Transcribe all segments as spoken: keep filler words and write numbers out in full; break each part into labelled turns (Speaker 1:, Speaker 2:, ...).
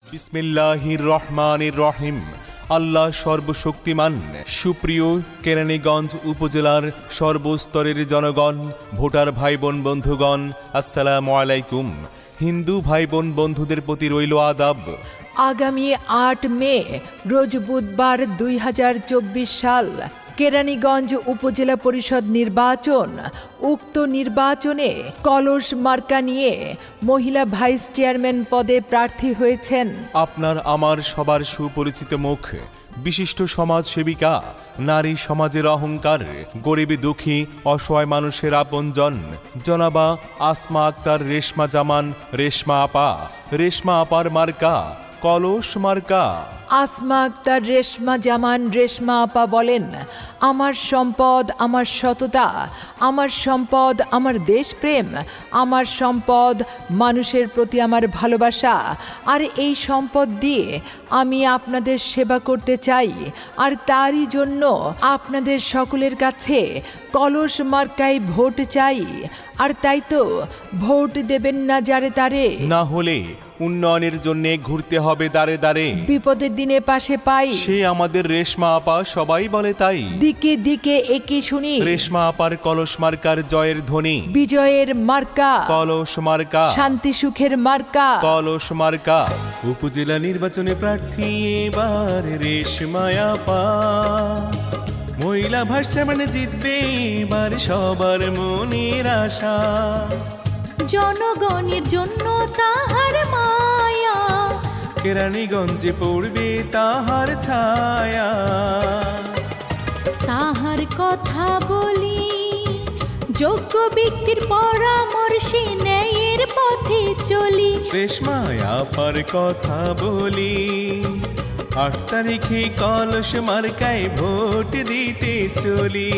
Speaker 1: বিসমিল্লাহির রহমানির রহিম। আল্লাহ সর্বশক্তিমান। সুপ্রিয় কেরানীগঞ্জ উপজেলার সর্বস্তরের জনগণ, ভোটার ভাই বোন বন্ধুগণ, আসসালামু আলাইকুম। হিন্দু ভাই বোন বন্ধুদের প্রতি রইল আদাব।
Speaker 2: আগামী আট মে রোজ বুধবার দুই হাজার চব্বিশ সাল কেরানীগঞ্জ উপজেলা পরিষদ নির্বাচন। উক্ত নির্বাচনে কলস মার্কা নিয়ে মহিলা ভাইস চেয়ারম্যান পদে প্রার্থী হয়েছেন
Speaker 1: আপনার আমার সবার সুপরিচিত মুখ, বিশিষ্ট সমাজসেবিকা, নারী সমাজের অহংকার, গরিব দুঃখী অসহায় মানুষের আপনজন জনাবা আসমা আক্তার রেশমা জামান। রেশমা আপা, রেশমা আপার মার্কা কলস মার্কা।
Speaker 2: আসমা আক্তার রেশমা জামান রেশমা আপা বলেন, আমার সম্পদ আমার সততা, আমার সম্পদ আমার দেশপ্রেম, আমার সম্পদ মানুষের প্রতি আমার ভালোবাসা। আর এই সম্পদ দিয়ে আমি আপনাদের সেবা করতে চাই, আর তারই জন্য আপনাদের সকলের কাছে কলস মার্কায় ভোট চাই। আর তাই তো ভোট দেবেন না যারে তারে,
Speaker 1: না হলে উন্নয়নের জন্য ঘুরতে হবে দাঁড়ে দাঁড়ে।
Speaker 2: বিপদের দিনে পাশে পাই
Speaker 1: সে আমাদের রেশমা আপা, সবাই বলে তাই।
Speaker 2: দিকে দিকে একে শুনি
Speaker 1: রেশমা আপার কলস মার্কার জয়ের ধ্বনি।
Speaker 2: বিজয়ের মার্কা
Speaker 1: কলস মার্কা,
Speaker 2: শান্তি সুখের মার্কা
Speaker 1: কলস মার্কা। উপজেলা নির্বাচনে প্রার্থী এবার রেশমা আপা। মহিলা ভাইস চেয়ারম্যান জিতবে এবার সবার মনের আশা।
Speaker 3: জনগণের জন্য তাহার মায়া,
Speaker 1: কেরানীগঞ্জে পড়বে তাহার ছায়া।
Speaker 3: তাহার কথা বলি, যোগ্য ব্যক্তির পরামর্শে ন্যায়ের পথে চলি।
Speaker 1: রেশমা আপার কথা বলি, আট তারিখে কলস মার্কায় ভোট দিতে চলি।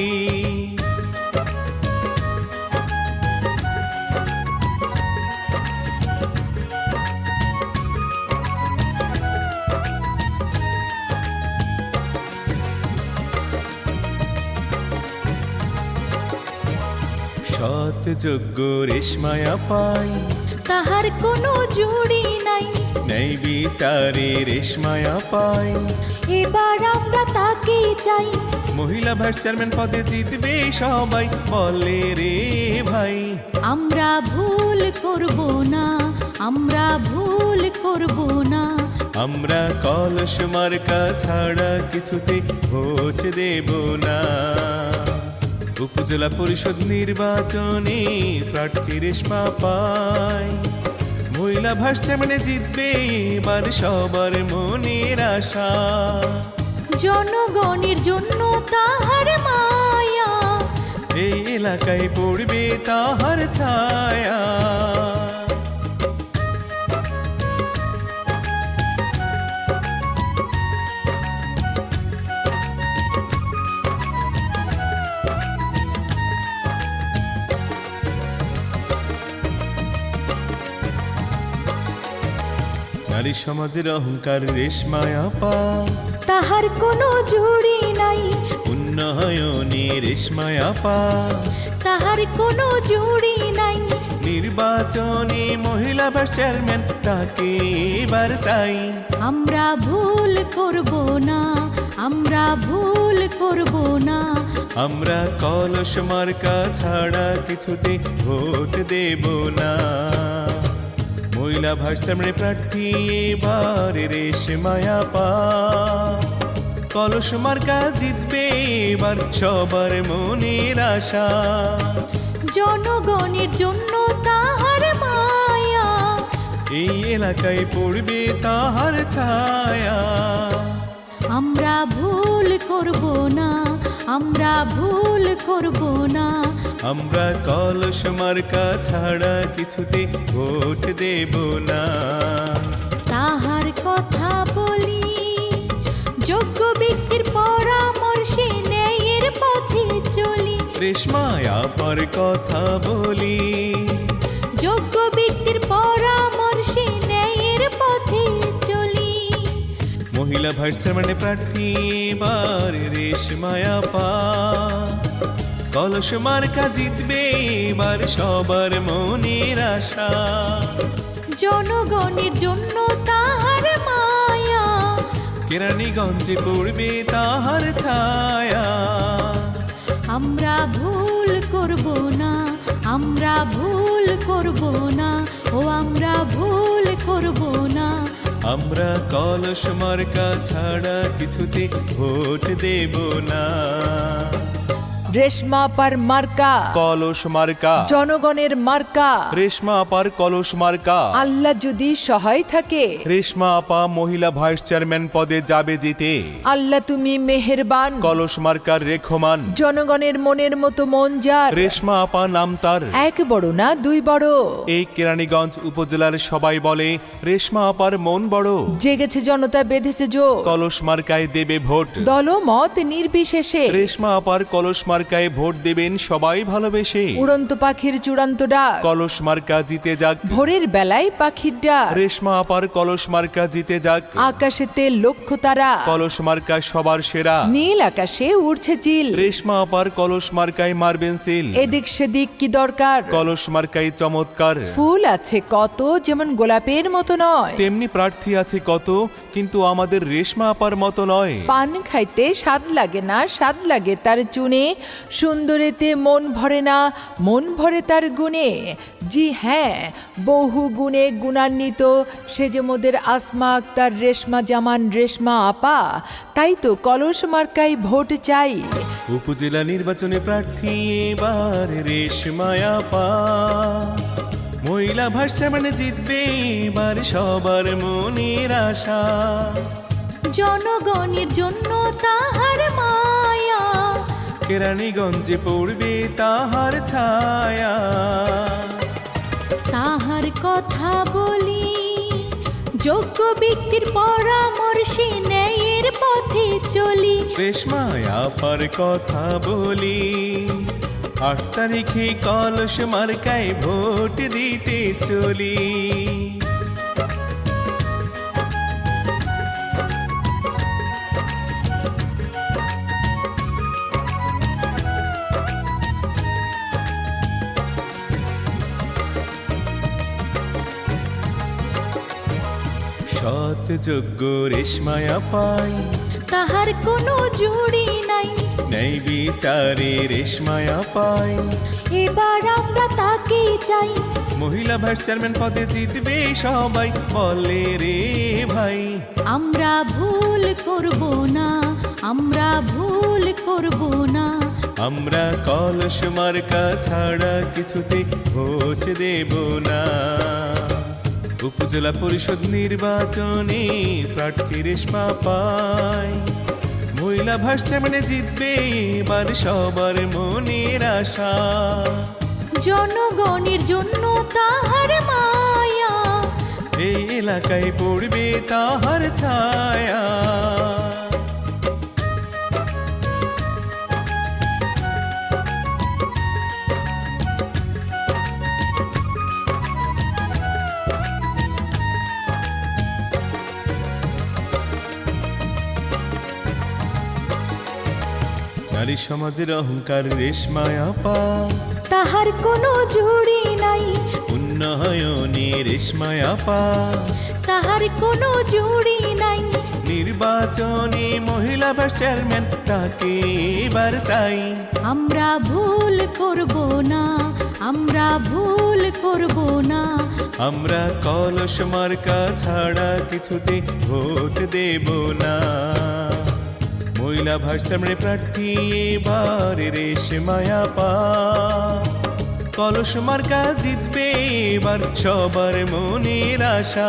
Speaker 1: সৎ যোগ্য রেশমা আপাই,
Speaker 3: তাহার কোনো জুড়ি নাই।
Speaker 1: ন্যায় বিচারে রেশমা আপাই।
Speaker 3: এবার আমরা তাকে চাই,
Speaker 1: মহিলা ভাইস চেয়ারম্যান পদে জিতবে সবাই বলে রে ভাই।
Speaker 3: আমরা ভুল করব না, আমরা ভুল করব না।
Speaker 1: আমরা কলস মার্কা ছাড়া কিছুতে ভোট দেব না। উপজেলা পরিষদ নির্বাচনে প্রার্থী রেশমা পাই। মহিলা ভাইস চেয়ারম্যানে জিতবে এবার সবার মনের আশা।
Speaker 3: জনগণের জন্য তাহার মায়া,
Speaker 1: এই এলাকায় পড়বে তাহার ছায়া। নারী সমাজের অহংকার রেশমা আপা।
Speaker 3: তাহার কোনো জুড়ি নাই।
Speaker 1: উন্নয়নে রেশমা আপা।
Speaker 3: তাহার কোনো জুড়ি নাই।
Speaker 1: নির্বাচনে মহিলা ভাইস চেয়ারম্যান তাকে এবার তাই।
Speaker 3: আমরা ভুল করব না, আমরা ভুল করব না।
Speaker 1: আমরা কলস মার্কা ছাড়া কিছুতে ভোট দেব না। মহিলা ভাইস চেয়ারম্যান প্রার্থী এবার রেশমা আপা। কলস মার্কা জিতবে এবার সবার মনের আশা।
Speaker 3: জনগণের জন্য তাহার মায়া,
Speaker 1: এই এলাকায় পড়বে তাহার ছায়া।
Speaker 3: আমরা ভুল করব না, আমরা ভুল করব না।
Speaker 1: আমরা কলস মার্কা ছাড়া কিছুতে ভোট দেব না।
Speaker 3: তাহার কথা বলি, যোগ্য ব্যক্তির পরামর্শে ন্যায়ের পথে চলি।
Speaker 1: রেশমা আপার কথা বলি,
Speaker 3: যোগ্য ব্যক্তির পরামর্শে ন্যায়ের পথে চলি।
Speaker 1: মহিলা ভাইস চেয়ারম্যান প্রার্থী এবার রেশমা আপা। কলস মার্কা জিতবে এবার সবার মনের আশা।
Speaker 3: জনগণের জন্য তাহার
Speaker 1: কেরানীগঞ্জে পড়বে তাহার ছায়া।
Speaker 3: আমরা ভুল করব না, আমরা ভুল করব না, ও আমরা ভুল করব না।
Speaker 1: আমরা কলস মার্কা ছাড়া কিছুতে ভোট দেব না।
Speaker 2: রেশমা আপার মার্কা
Speaker 1: কলস মার্কা,
Speaker 2: জনগণের মার্কা।
Speaker 1: রেশমা আপার কলস মার্কা।
Speaker 2: আল্লাহ যদি সহায় থাকে,
Speaker 1: রেশমা আপা মহিলা ভাইস চেয়ারম্যান পদে যাবে জিতে।
Speaker 2: আল্লাহ তুমি মেহেরবান,
Speaker 1: কলস মার্কার রেখমান।
Speaker 2: জনগণের মনের মতো মন যার।
Speaker 1: রেশমা আপা নাম তার।
Speaker 2: এক বড় না দুই বড়,
Speaker 1: এই কেরানীগঞ্জ উপজেলার সবাই বলে রেশমা আপার মন বড়।
Speaker 2: জেগেছে জনতা বেঁধেছে জোর,
Speaker 1: কলস মার্কায় দেবে ভোট।
Speaker 2: দলমত নির্বিশেষে
Speaker 1: রেশমা আপার কলস মার্কায় ভোট দেবেন সবাই ভালোবেসে।
Speaker 2: উড়ন্ত পাখির চূড়ান্ত ডাক,
Speaker 1: কলস মার্কা জিতে যাক।
Speaker 2: ভোরের বেলায় পাখির ডাক।
Speaker 1: রেশমা আপার কলস মার্কা জিতে যাক।
Speaker 2: আকাশেতে লক্ষ্য তারা,
Speaker 1: কলস মার্কা সবার সেরা।
Speaker 2: নীল আকাশে উড়ছে চিল,
Speaker 1: রেশমা আপার কলস মার্কায় মারবেন সিল।
Speaker 2: এদিক সেদিক কি দরকার,
Speaker 1: কলস মার্কায় চমৎকার।
Speaker 2: ফুল আছে কত যেমন গোলাপের মতো নয়,
Speaker 1: তেমনি প্রার্থী আছে কত কিন্তু আমাদের রেশমা আপার মতো নয়।
Speaker 2: পান খাইতে স্বাদ লাগে না, স্বাদ লাগে তার চুনে, সুন্দরেতে মন ভরে না, মন ভরে তার গুণে। জি হ্যাঁ, বহু গুণে গুণান্বিত সে যে মোদের আসমা আক্তার, রেশমা জামান, রেশমা আপা। তাই তো কলস মার্কায় ভোট চাই।
Speaker 1: উপজেলা নির্বাচনে প্রার্থী এবার রেশমা আপা। মহিলা ভাইস চেয়ারম্যান জিতবে এবার সবার মনের আশা।
Speaker 3: জনগণের জন্য তাহার মায়া,
Speaker 1: কেরানীগঞ্জে পড়বে তাহার ছায়া।
Speaker 3: তাহার কথা বলি, যোগ্য ব্যক্তির পরামর্শে ন্যায়ের পথে চলি।
Speaker 1: রেশমা আপার কথা বলি, আট তারিখে কলস মার্কায় ভোট দিতে চলি। সৎ যোগ্য রেশমা আপাই,
Speaker 3: তাহার কোনো জুড়ি নাই।
Speaker 1: ন্যায় বিচারে রেশমা আপাই।
Speaker 3: এবার আমরা তাকে চাই,
Speaker 1: মহিলা ভাইস চেয়ারম্যান পদে জিতবে সবাই বলে রে ভাই।
Speaker 3: আমরা ভুল করব না, আমরা ভুল করব না।
Speaker 1: আমরা কলস মার্কা ছাড়া কিছুতে ভোট দেব না। উপজেলা পরিষদ নির্বাচনে প্রার্থী রেশমা পাই। মহিলা ভাইস চেয়ারম্যানে জিতবে এবার সবার মনের আশা।
Speaker 3: জনগণের জন্য তাহার মায়া,
Speaker 1: এই এলাকায় পড়বে তাহার ছায়া। নারী সমাজের অহংকার রেশমা আপা।
Speaker 3: তাহার কোনো জুড়ি নাই,
Speaker 1: উন্নয়নে রেশমা আপা।
Speaker 3: তাহার কোনো জুড়ি নাই।
Speaker 1: নির্বাচনে মহিলা ভাইস চেয়ারম্যান তাকে এবার চাই।
Speaker 3: আমরা ভুল করব না, আমরা ভুল করব না।
Speaker 1: আমরা কলস মার্কা ছাড়া কিছুতে ভোট দেব না। মহিলা ভাইস চেয়ারম্যান প্রার্থী এবার রেশমা আপা। কলস মার্কা জিতবে এবার সবার মনের আশা।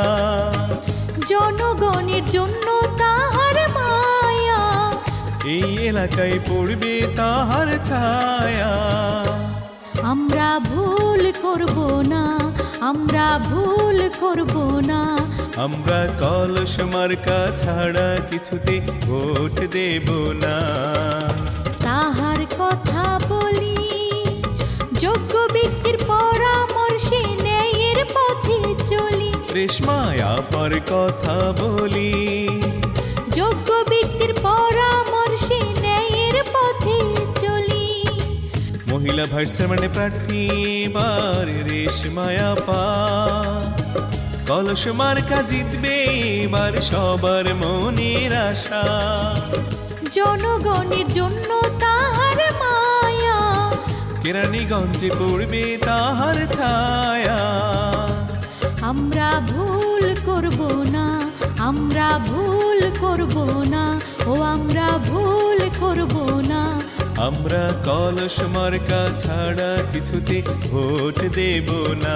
Speaker 3: জনগণের জন্য তাহার মায়া,
Speaker 1: এই এলাকায় পড়বে তাহার ছায়া।
Speaker 3: আমরা ভুল করব না, আমরা ভুল করব না।
Speaker 1: আমরা কলস মার্কা ছাড়া কিছুতে ভোট দেব না।
Speaker 3: তাহার কথা বলি, যোগ্য ব্যক্তির পরামর্শে ন্যায়ের পথে চলি।
Speaker 1: রেশমা আপার কথা বলি,
Speaker 3: যোগ্য ব্যক্তির পরামর্শে ন্যায়ের পথে চলি।
Speaker 1: মহিলা ভাইস চেয়ারম্যান প্রার্থী এবার রেশমা আপা। কলস মার্কা জিতবে এবার সবার মনের আশা।
Speaker 3: জনগণের জন্য তাহার মায়া,
Speaker 1: কেরানীগঞ্জে পড়বে তাহার ছায়া।
Speaker 3: আমরা ভুল করব না, আমরা ভুল করব না, ও আমরা ভুল করব না।
Speaker 1: আমরা কলস মার্কা ছাড়া কিছুতে ভোট দেব না।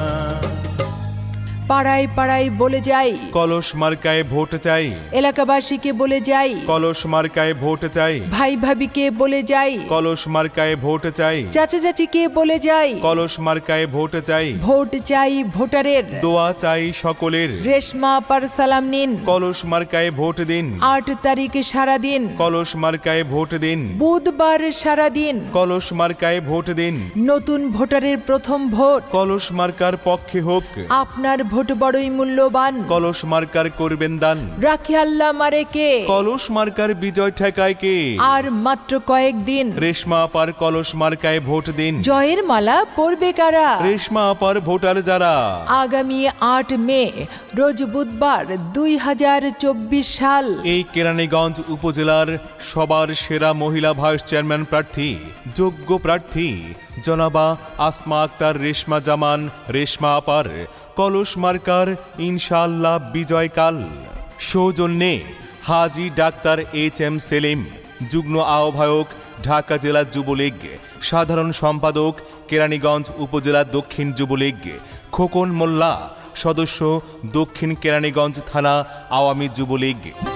Speaker 2: পাড়ায় পাড়ায় বলে যাই,
Speaker 1: কলস মার্কায় ভোট চাই,
Speaker 2: এলাকাবাসীকে বলে যাই,
Speaker 1: কলস মার্কায় ভোট চাই,
Speaker 2: ভাই ভাবিকে বলে যাই,
Speaker 1: কলস মার্কায় ভোট চাই,
Speaker 2: চাচা চাচিকে বলে যাই,
Speaker 1: কলস মার্কায় ভোট চাই।
Speaker 2: ভোট চাই ভোটারের,
Speaker 1: দোয়া চাই সকলের,
Speaker 2: রেশমা আপার সালাম নিন।
Speaker 1: কলস মার্কায় ভোট দিন,
Speaker 2: আট তারিখে সারা দিন,
Speaker 1: কলস মার্কায় ভোট দিন,
Speaker 2: বুধবার সারা দিন,
Speaker 1: কলস মার্কায় ভোট দিন।
Speaker 2: নতুন ভোটারের প্রথম ভোট,
Speaker 1: কলস মার্কার পক্ষে হোক,
Speaker 2: আপনার ভোট বড়ই মূল্যবান,
Speaker 1: কলস মার্কার করবেন দান।
Speaker 2: রাখি আল্লাহ মারে কে,
Speaker 1: কলস মার্কার বিজয় ঠেকায় কে,
Speaker 2: আর মাত্র কয়েক দিন,
Speaker 1: রেশমা আপার কলস মার্কায় ভোট দিন।
Speaker 2: জয়ের মালা পরবে কারা,
Speaker 1: রেশমা আপার ভোটার যারা,
Speaker 2: আগামী আট মে রোজ বুধবার দুই হাজার চব্বিশ সাল
Speaker 1: এই কেরানীগঞ্জ উপজেলার সবার সেরা মহিলা ভাইস চেয়ারম্যান প্রার্থী, যোগ্য প্রার্থী জনাবা আসমা আক্তার রেশমা জামান রেশমা আপার কলস মার্কার ইনশাআল্লাহ বিজয়কাল। সৌজন্যে হাজী ডাক্তার এইচ এম সেলিম, যুগ্ম আহ্বায়ক ঢাকা জেলা যুবলীগ, সাধারণ সম্পাদক কেরানীগঞ্জ উপজেলা দক্ষিণ যুবলীগ, খোকন মোল্লা, সদস্য দক্ষিণ কেরানীগঞ্জ থানা আওয়ামী যুবলীগ।